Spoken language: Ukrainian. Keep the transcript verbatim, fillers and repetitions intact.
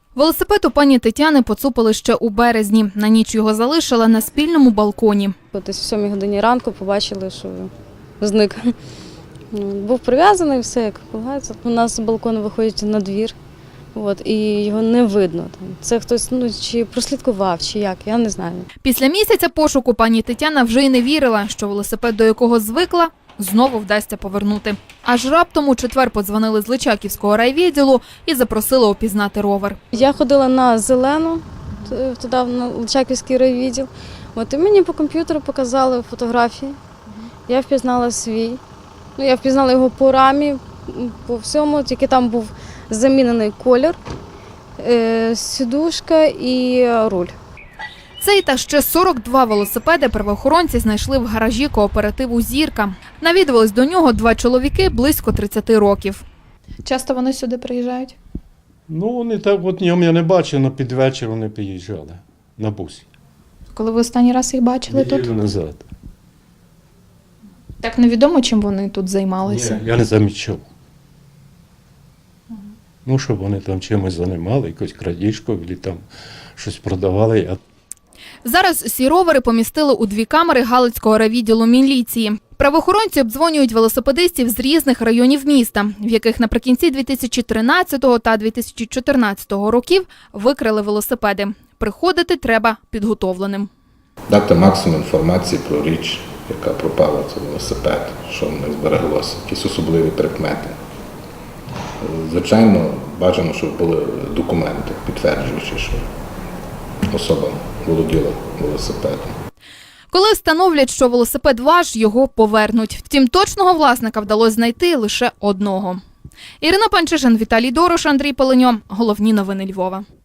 Велосипед у пані Тетяни поцупили ще у березні. На ніч його залишила на спільному балконі. Десь о сьомій годині ранку побачили, що зник. Був прив'язаний, все як полагається. У нас з балкону виходить на двір, от, і його не видно. Це хтось ну, чи прослідкував, чи як, я не знаю. Після місяця пошуку пані Тетяна вже й не вірила, що велосипед, до якого звикла, знову вдасться повернути. Аж раптом у четвер подзвонили з Личаківського райвідділу і запросили опізнати ровер. Я ходила на Зелену, туди, на Личаківський райвідділ. От, і мені по комп'ютеру показали фотографії. Я впізнала свій. Ну, я впізнала його по рамі, по всьому, тільки там був замінений колір, е, сідушка і руль. Цей та ще сорок два велосипеди правоохоронці знайшли в гаражі кооперативу «Зірка». Навідувались до нього два чоловіки близько тридцяти років. Часто вони сюди приїжджають? Ну, вони так, от ньому я не бачив, але під вечір вони приїжджали на бусі. Коли ви останній раз їх бачили тут? Неділю назад. Так невідомо, чим вони тут займалися? Ні, я не замічав. Ну, щоб вони там чимось займали, якусь крадіжку, або там щось продавали. Я... Зараз ці ровери помістили у дві камери Галицького райвідділу міліції. Правоохоронці обдзвонюють велосипедистів з різних районів міста, в яких наприкінці дві тисячі тринадцятого та дві тисячі чотирнадцятого років викрали велосипеди. Приходити треба підготовленим. Дати максимум інформації про річ, яка пропала, це велосипед, що в них збереглося, якісь особливі прикмети. Звичайно, бажано, щоб були документи, підтверджуючи, що особа володіла велосипедом. Коли встановлять, що велосипед ваш, його повернуть. Втім, точного власника вдалося знайти лише одного. Ірина Панчишин, Віталій Дорош, Андрій Пеленьо. Головні новини Львова.